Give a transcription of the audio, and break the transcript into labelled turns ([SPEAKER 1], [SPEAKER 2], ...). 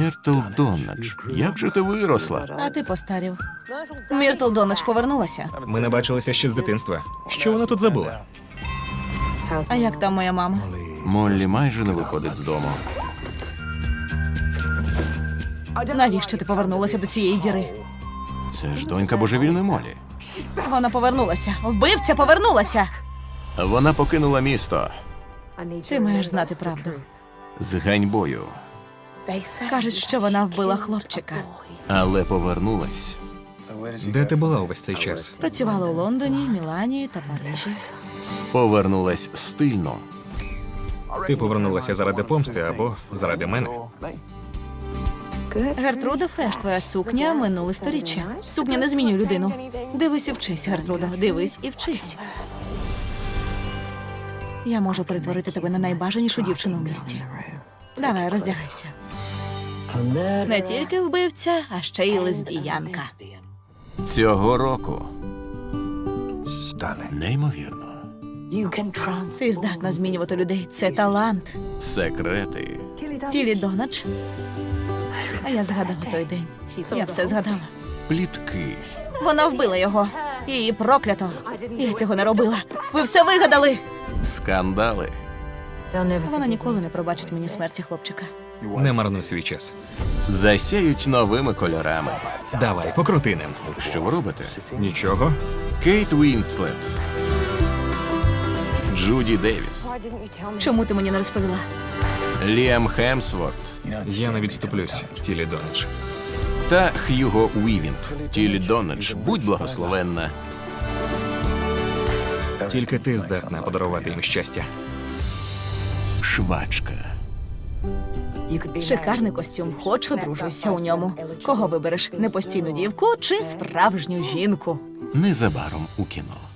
[SPEAKER 1] Міртл Доннадж, як же ти виросла?
[SPEAKER 2] А ти постарів. Міртл Доннадж повернулася.
[SPEAKER 3] Ми не бачилися ще з дитинства. Що вона тут забула?
[SPEAKER 2] А як там моя мама?
[SPEAKER 1] Моллі майже не виходить з дому.
[SPEAKER 2] Навіщо ти повернулася до цієї діри?
[SPEAKER 1] Це ж донька божевільної Моллі.
[SPEAKER 2] Вона повернулася. Вбивця повернулася.
[SPEAKER 1] Вона покинула місто
[SPEAKER 2] Ти маєш знати правду.
[SPEAKER 1] з ганьбою,
[SPEAKER 2] Кажуть, що вона вбила хлопчика.
[SPEAKER 1] але повернулась.
[SPEAKER 3] Де ти була увесь цей час?
[SPEAKER 2] Працювала у Лондоні, Мілані та Парижі.
[SPEAKER 1] Повернулась стильно.
[SPEAKER 3] Ти повернулася заради помсти або заради мене?
[SPEAKER 2] Гертруда Фреш, твоя сукня минуле сторіччя. Сукня не змінює людину. Дивись і вчись, Гертруда. Дивись і вчись. Я можу перетворити тебе на найбажанішу дівчину в місті. Давай, роздягайся. Не тільки вбивця, а ще й лесбіянка.
[SPEAKER 1] Цього року. Неймовірно.
[SPEAKER 2] Ти здатна змінювати людей. Це талант.
[SPEAKER 1] Секрети.
[SPEAKER 2] Тілі Доннадж. А я згадала той день. Я все згадала.
[SPEAKER 1] Плітки.
[SPEAKER 2] Вона вбила його. Її проклято. Я цього не робила. Ви все вигадали.
[SPEAKER 1] Скандали.
[SPEAKER 2] Вона ніколи не пробачить мені смерті хлопчика.
[SPEAKER 3] Не марнуй свій час.
[SPEAKER 1] Засяють новими кольорами.
[SPEAKER 3] Давай, покрути ним.
[SPEAKER 1] Що ви робите?
[SPEAKER 3] Нічого.
[SPEAKER 1] Кейт Уінслет. Джуді Девіс.
[SPEAKER 2] Чому ти мені не розповіла?
[SPEAKER 1] Ліам Хемсворт.
[SPEAKER 3] Я не відступлюсь, Тілі Доннадж.
[SPEAKER 1] Та Х'юго Уівінг. Тілі Доннадж, будь благословенна.
[SPEAKER 3] Тільки ти здатна подарувати їм щастя.
[SPEAKER 1] Швачка.
[SPEAKER 2] Шикарний костюм. Хочу, одружуйся у ньому. Кого вибереш? Непостійну дівку чи справжню жінку?
[SPEAKER 1] Незабаром у кіно.